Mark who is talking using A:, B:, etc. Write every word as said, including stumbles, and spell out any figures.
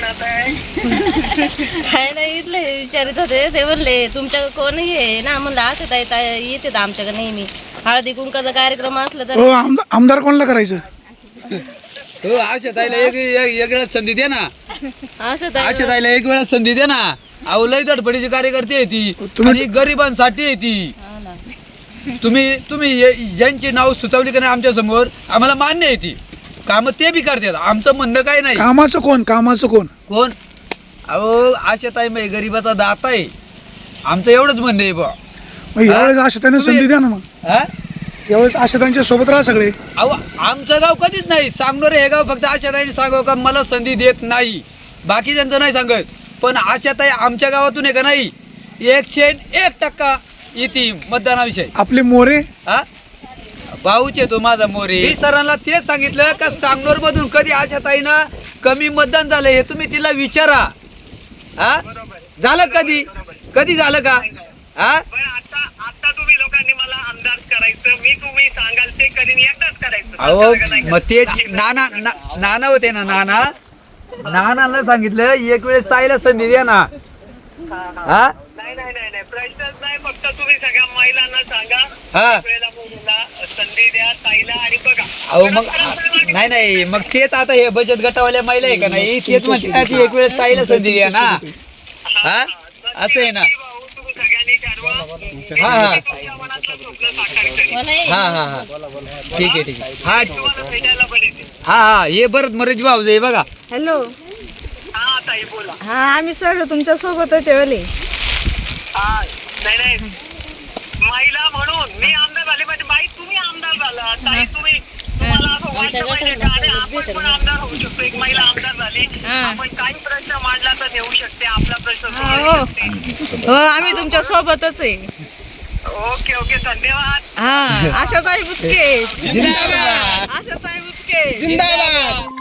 A: म्हणत आहे?
B: काय नाही इथले विचारित होते ते म्हणले तुमच्याकडे कोणी आहे ना म्हणलं आशा ताई ताई येते आमच्याकडे नेहमी हळदी कुंकाचा कार्यक्रम असला तर
C: हो आमदार आमदार कोणाला करायचं
D: हो आशा ताईला एक एक एक वेळा संधी दे ना
B: आशा ताई
D: आशा ताईला एक वेळा संधी दे ना अहो लय धडपडीची कार्यकर्ती आहे ती
C: तुम्ही-
D: आणि गरिबांसाठी आहे ती
B: हा ना.
D: तुम्ही तुम्ही हे- ज्यांची नाव सुचवली का नाही आमच्या समोर आम्हाला मान्य आहे ती कामं ते बी करतात आमचं म्हणणं काही नाही
C: कामाचं कोण कामाचं कोण
D: कोण अहो आशा ताई मग गरिबाचा दाता आहे आमचं एवढंच म्हणणं आहे बा
C: मग यावेळेस आशाताईंना
D: तुम्ही-
C: संधी द्या ना मग
D: हा
C: यावेळेस आशाताईंच्या सोबत राहा सगळे
D: अहो आमचं गाव कधीच नाही सांगणार हे गाव फक्त आशाताईने सांगावं का मला संधी देत नाही बाकी त्यांचं नाही सांगत पण आशाताई आमच्या गावातून आहे का नाही एकशे एक टक्का येते मतदानाविषयी
C: आपले मोरे
D: हा भाऊचे तो माझा मोरे मी सरांना तेच सांगितलं का सांगनोर मधून कधी आशाताईना कमी मतदान झालं हे तुम्ही तिला विचारा हा झालं कधी कधी झालं का हा
A: बरं आता आता तुम्ही लोकांनी मला आमदार करायचं मी तुम्ही सांगाल ते करीन एकदाच करायचं
D: अहो
A: नंतर का नाही
D: मग ते नाना ना- नाना होते ना नाना नानाला सांगितलं एक वेळेस ताईला संधी द्या ना हा
A: नाही नाही नाही नाही प्रश्नच नाही फक्त तुम्ही सगळ्या महिलांना सांगा
D: हा.
A: एक वेळेला मुलीला संधी द्या ताईला आणि बघा
D: अहो मग नाही नाही मग तेच आता हे बचत गटावाल्या महिला आहे का नाही तेच म्हणते की एक वेळेस ताईला संधी द्या ना हा असं आहे ना
A: भाऊ तुम्ही सगळ्यांनी ठरवा
D: हा हा
A: तुमच्या मनातलं स्वप्न साकार करेन
B: मला हे-
D: हा हा हा ठीक आहे ठीक आहे हा
A: तुम्हाला भेटायला पण येते
D: हा हा हे बरं मरेज भाऊ हे बघा
E: हॅलो
A: हा ताई बोला
E: हा आम्ही सगळं तुमच्या सोबतच आहे ओले
A: हा नाही नाही महिला म्हणून मी आमदार झाले म्हणजे बाई तुम्ही आमदार झाला ताई तुम्ही तुम्हाला असं
B: आमच्या
A: वाटलं पाहिजे
B: गटाला
A: का आणि
B: सोबत
A: आपण
B: भेटेल
A: पण
B: ना.
A: आमदार होऊ शकतो एक महिला आमदार झाली
B: हा.
A: आपण काही प्रश्न मांडला तर देऊ शकते आपला प्रश्न
E: हा,
A: सोडवू
E: हो.
A: शकते
E: हो आम्ही तुमच्या सोबतच आहे
A: ओके ओके धन्यवाद
E: हा आशाताई बुचके आशाताई बुचके
D: जिंदाबाद